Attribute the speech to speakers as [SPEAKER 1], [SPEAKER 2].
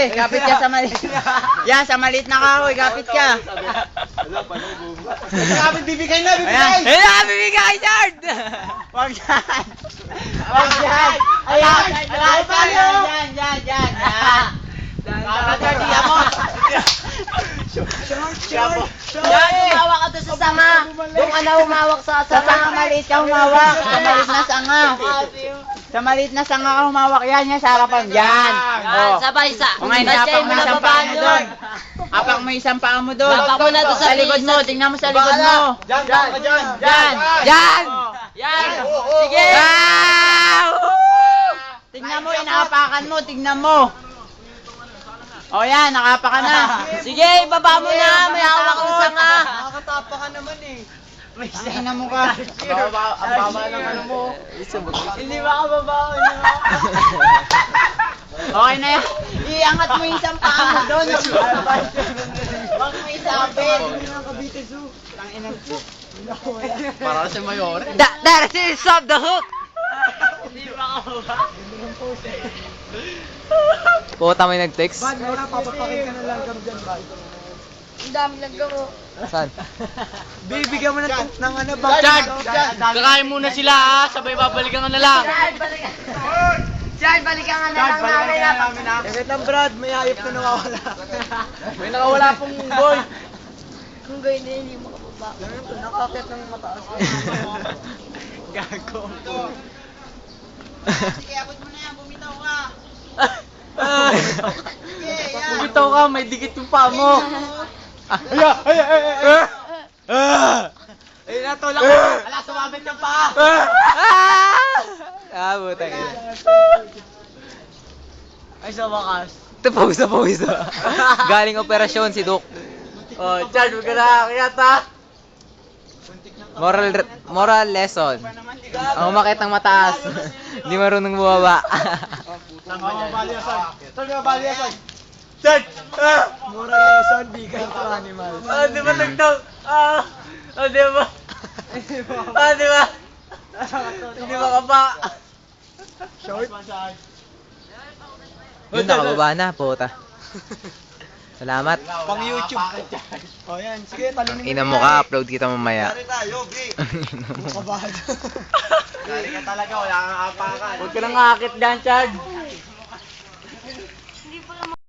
[SPEAKER 1] kapit ka sa maliit. Yan, sa maliit na kahoy, kapit ka.
[SPEAKER 2] Kapit, bibigay na,
[SPEAKER 1] Ayan,
[SPEAKER 2] bibigay!
[SPEAKER 1] ayan, bibigay, Chard! Wag yan. Wag yan. Ayan, ayan, yan. Kapit ka, diyan mo.
[SPEAKER 3] Yan, humawak ka doon sa sanga. Doon ka na humawak sa
[SPEAKER 1] Sa
[SPEAKER 3] sanga.
[SPEAKER 1] sanga maliit ka humawak. Sa maliit na sanga. Sa maliit na sanga ka humawak. Yan, sa harapan. Yan.
[SPEAKER 3] Yan,
[SPEAKER 1] Oh.
[SPEAKER 3] sabay sa.
[SPEAKER 1] O ngayon,
[SPEAKER 3] Basta
[SPEAKER 1] apak
[SPEAKER 3] yung
[SPEAKER 1] mo isang
[SPEAKER 3] nababa
[SPEAKER 1] paa mo
[SPEAKER 3] doon.
[SPEAKER 1] doon. Apak mo isang paa mo doon.
[SPEAKER 3] Apak mo na doon sa
[SPEAKER 1] likod mo. Tingnan mo sa likod mo.
[SPEAKER 2] Diyan, diyan ka dyan!
[SPEAKER 1] Yan. Yan.
[SPEAKER 3] Yan. Sige.
[SPEAKER 1] Wow! Tingnan mo, inaapakan mo. Tingnan mo. O yan, nakapa ka na.
[SPEAKER 3] Sige, baba mo na. May hawak ang sanga.
[SPEAKER 2] Nakakatapa ka naman eh.
[SPEAKER 1] May tingnan mo ka.
[SPEAKER 2] Ang baba ng ano mo.
[SPEAKER 3] Hindi ba ka baba?
[SPEAKER 1] Okay na yan. Iangat mo yung isang paa mo doon. Huwag mo isapin.
[SPEAKER 2] Para sa mayor.
[SPEAKER 1] That is of the hook.
[SPEAKER 4] Puta may nag-text.
[SPEAKER 2] Bad, wala, papapakin ka na lang kami dyan, Bad.
[SPEAKER 3] Ang dami lang gamo.
[SPEAKER 4] Saan?
[SPEAKER 2] Bibigyan mo ng ano, Bad.
[SPEAKER 4] Kakain muna sila ha, sabay babalikan ka na lang.
[SPEAKER 3] Chad, balikan ka na lang namin na.
[SPEAKER 2] Wait lang, Brad, may hayop na nawawala.
[SPEAKER 4] May nakawala pong boy.
[SPEAKER 3] Kung gawin na hindi mo kababa.
[SPEAKER 2] Ganun to, nakakit ng mataas. Gago.
[SPEAKER 1] Sige, abot mo na yan. Bumitaw ka.
[SPEAKER 4] Bumitaw ka, may dikit yung paa mo.
[SPEAKER 2] Ayun na, tulak ko. Ala, sumabit ng paa.
[SPEAKER 4] Butang ina.
[SPEAKER 2] Ay, sa wakas.
[SPEAKER 4] Ito, pawis na. Galing operasyon si Duk.
[SPEAKER 2] Oh, Chad, huwag ka nakakiyat ha.
[SPEAKER 4] Moral lesson. Ang umakit ng mataas. Hindi marunong bumaba.
[SPEAKER 2] Saan ka balyasan? Saan ka balyasan? Chad! Moral lesson, bigay to animal.
[SPEAKER 4] Di ba nagtang? Di ba? Di ba? Hindi makaba.
[SPEAKER 2] Short?
[SPEAKER 4] Yun, nakababa na, puta. Salamat.
[SPEAKER 2] Pang YouTube. Oh, yan. Sige, talunin mo.
[SPEAKER 4] Ina mo ka, upload kita mamaya.
[SPEAKER 2] tayo, Bri. Kabado. Dari ka talaga, wala kang apakan.
[SPEAKER 4] Huwag ka nang akit dyan, Chad.